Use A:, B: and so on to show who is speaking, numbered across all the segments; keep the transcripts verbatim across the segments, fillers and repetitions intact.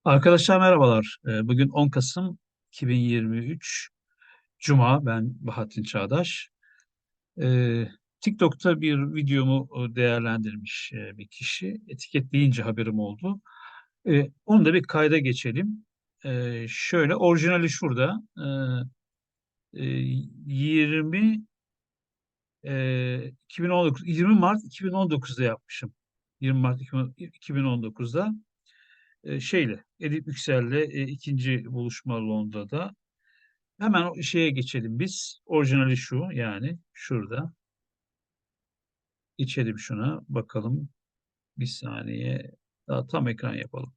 A: Arkadaşlar merhabalar. Ee, Bugün on Kasım iki bin yirmi üç Cuma. Ben Bahattin Çağdaş. Ee, TikTok'ta bir videomu e, değerlendirmiş e, bir kişi. Etiketleyince haberim oldu. Ee, Onu da bir kayda geçelim. Ee, Şöyle orijinali şurada. Ee, e, yirmi e, iki bin on dokuz yirmi Mart iki bin on dokuzda yapmışım. yirmi Mart iki bin on dokuzda e, şeyle Edip Yüksel'le e, ikinci buluşma Londra'da. Hemen o şeye geçelim biz. Orijinali şu, yani şurada. İçelim şuna bakalım. Bir saniye. Daha tam ekran yapalım.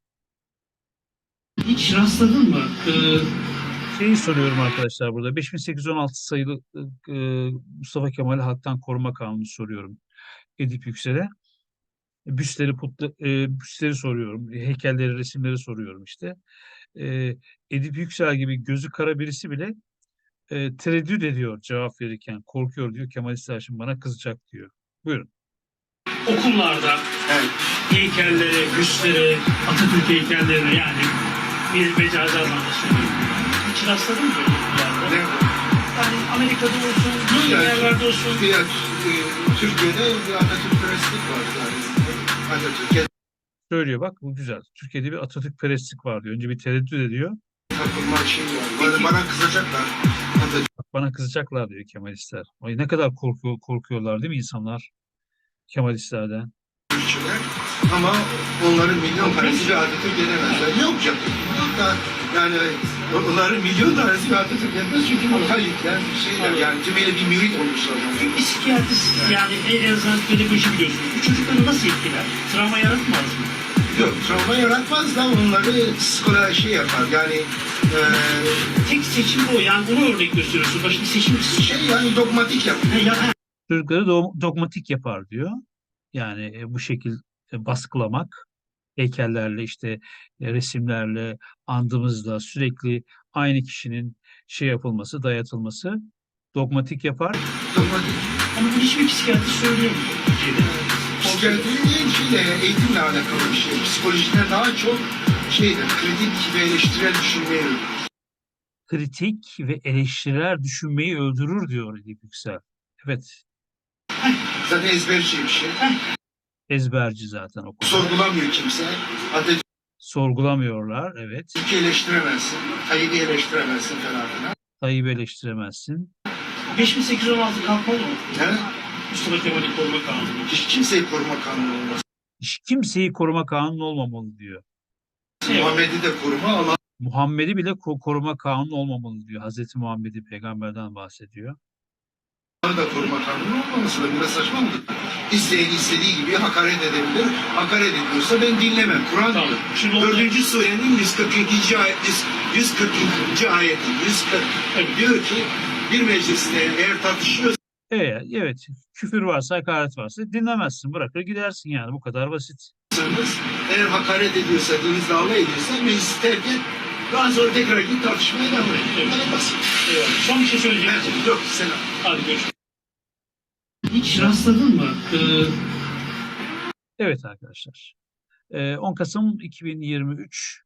B: Hiç rastladın mı? Ee,
A: Şeyi soruyorum arkadaşlar burada. beş bin sekiz yüz on altı sayılı e, Mustafa Kemal Halktan Koruma Kanunu soruyorum Edip Yüksel'e. Büstleri, putlu, e, büstleri soruyorum. Heykelleri, resimleri soruyorum işte. E, Edip Yüksel gibi gözü kara birisi bile e, tereddüt ediyor cevap verirken. Korkuyor diyor. Kemalistler şimdi bana kızacak diyor. Buyurun.
B: okullarda evet, heykelleri, büstleri, Atatürk heykelleri yani bir mecazi anlamda söylüyorum. Hiç rastladın mı böyle bir yerde?
C: Ne?
B: Yani Amerika'da olsun, başka
C: Yani,
B: yerlerde olsun.
C: Ya, e, Türkiye'de bir Atatürkperestlik var yani. Atatürk'e
A: Söylüyor bak, bu güzel. Türkiye'de bir Atatürkperestlik var diyor. Önce bir tereddüt ediyor.
C: takılma şey var. Bana, bana kızacaklar.
A: Bak bana kızacaklar diyor Kemalistler. Ay ne kadar korkuyor, korkuyorlar değil mi insanlar Kemalistlerden?
C: Atatürkçüler. Ama onların milyon tanesi bir Atatürk edemezler. Yok canım. Yok da yani onların milyon tanesi bir Atatürk edemez. Çünkü muhalifler şeyler yani tümüyle bir mürit olmuşlar.
B: Bir psikiyatrist yani en azından pedagoji biliyorsunuz. Bu çocukları nasıl etkiler? Travma yaratmaz mı?
C: Yok, travma yaratmaz da onları psikoloji şey yapar. Yani e,
B: Tek seçim o. Yani bunu örnek gösteriyorsun. Başka seçim
C: şey yani dogmatik yapar.
B: Ha, ya, ha,
A: Çocukları do- dogmatik yapar diyor. Yani e, bu şekil e, baskılamak, heykellerle işte e, resimlerle, andımızla sürekli aynı kişinin şey yapılması, dayatılması dogmatik yapar.
C: Dogmatik.
B: ama bu hiçbir psikiyatrist söyleyemiyor Türkiye'de.
C: Psikiyatri değil, şeyle, eğitimle alakalı bir şey. Psikolojiden daha çok şeydir, kritik ve eleştirel düşünmeyi öğrenir.
A: Kritik ve eleştirel düşünmeyi öldürür diyor Edip Yüksel. Evet,
C: Zaten ezberci bir şey.
A: ezberci zaten o konuda.
C: Sorgulamıyor kimse. Atatürk'ü
A: Sorgulamıyorlar, evet.
C: eleştiremezsin, Tayyip'i eleştiremezsin falan filan.
A: Tayyip'i eleştiremezsin.
B: beş bin sekiz yüz on altı kalkmalı mı?
C: Yani
B: Mustafa Kemal'i koruma kanunu.
C: hiç kimseyi koruma kanunu olmaz.
A: Hiç kimseyi koruma kanunu olmamalı diyor.
B: Şey var.
C: Muhammed'i de koruma, Allah'ı
A: Muhammed'i bile ko- koruma kanunu olmamalı diyor. Hazreti Muhammed'i peygamberden bahsediyor.
C: da koruma kanunu olmaması da biraz saçma mıdır? İsteyen istediği gibi hakaret edebilir. Hakaret ediyorsa ben dinlemem. Kur'an
B: Tamam.
C: diyor.
B: Şimdi orada-
C: Dördüncü surenin yüz kırk ikinci ayet, yüz kırk ikinci ayeti, yüz kırk
B: Evet.
C: diyor ki bir mecliste eğer tartışıyorsanız
A: Evet, evet. Küfür varsa, hakaret varsa dinlemezsin. Bırakır gidersin yani. Bu kadar basit.
C: eğer hakaret ediyorsa, dinizle alay ediyorsa meclisi terk et. Daha sonra tekrar git tartışmaya devam et. Bu kadar basit.
B: Eyvallah. Son bir şey söyleyecek misin?
C: Evet, yok, selam.
B: Hadi görüşürüz. Hiç rastladın mı? Ee,
A: Evet arkadaşlar. Ee, on Kasım iki bin yirmi üç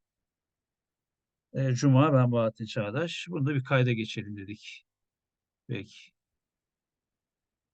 A: e, Cuma, ben Bahattin Çağdaş. Bunu da bir kayda geçelim dedik. Peki.